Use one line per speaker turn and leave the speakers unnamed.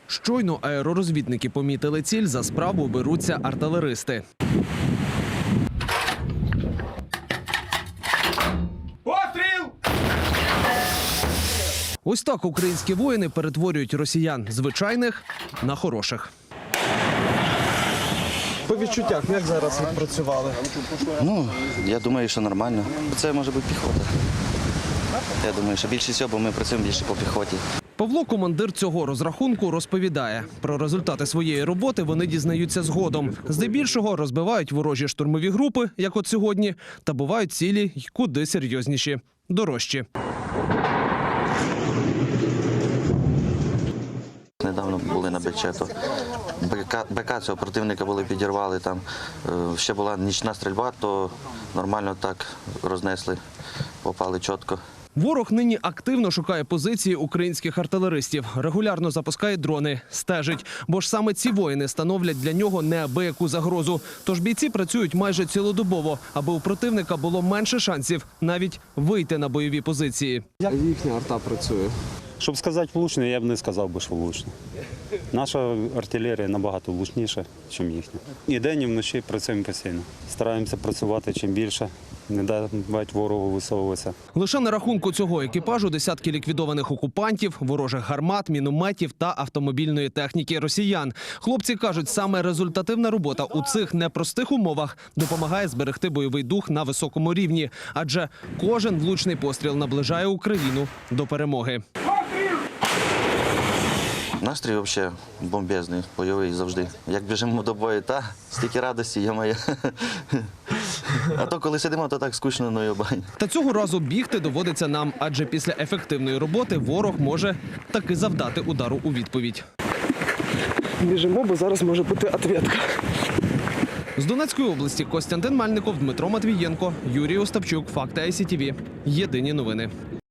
Щойно аеророзвідники помітили ціль, за справу беруться артилеристи.
Постріл!
Ось так українські воїни перетворюють росіян звичайних на хороших.
По відчуттях, як зараз відпрацювали?
Я думаю, що нормально. Це може бути піхота. Я думаю, що більше всього, бо ми працюємо більше по піхоті.
Павло, командир цього розрахунку, розповідає. Про результати своєї роботи вони дізнаються згодом. Здебільшого розбивають ворожі штурмові групи, як от сьогодні, та бувають цілі й куди серйозніші – дорожчі.
Недавно були на Бечето. БК цього противника були підірвали. Там ще була нічна стрільба, то нормально так рознесли, попали чітко.
Ворог нині активно шукає позиції українських артилеристів. Регулярно запускає дрони, стежить. Бо ж саме ці воїни становлять для нього неабияку загрозу. Тож бійці працюють майже цілодобово, аби у противника було менше шансів навіть вийти на бойові позиції.
Як їхня арта працює?
Щоб сказати влучно, я б не сказав би, що влучно. Наша артилерія набагато влучніша, ніж їхня. І день, і вночі працюємо постійно. Стараємося працювати чим більше, не давати ворогу висовуватися.
Лише на рахунку цього екіпажу десятки ліквідованих окупантів, ворожих гармат, мінометів та автомобільної техніки росіян. Хлопці кажуть, саме результативна робота у цих непростих умовах допомагає зберегти бойовий дух на високому рівні. Адже кожен влучний постріл наближає Україну до перемоги.
Настрій взагалі бомбезний, бойовий завжди. Як біжимо до бою, стільки радості, я-моє. А то коли сидимо, то так скучно, ну йобань.
Та цього разу бігти доводиться нам, адже після ефективної роботи ворог може таки завдати удару у відповідь.
Біжимо, бо зараз може бути відповідь.
З Донецької області Костянтин Мальников, Дмитро Матвієнко, Юрій Остапчук, Факти ICTV. Єдині новини.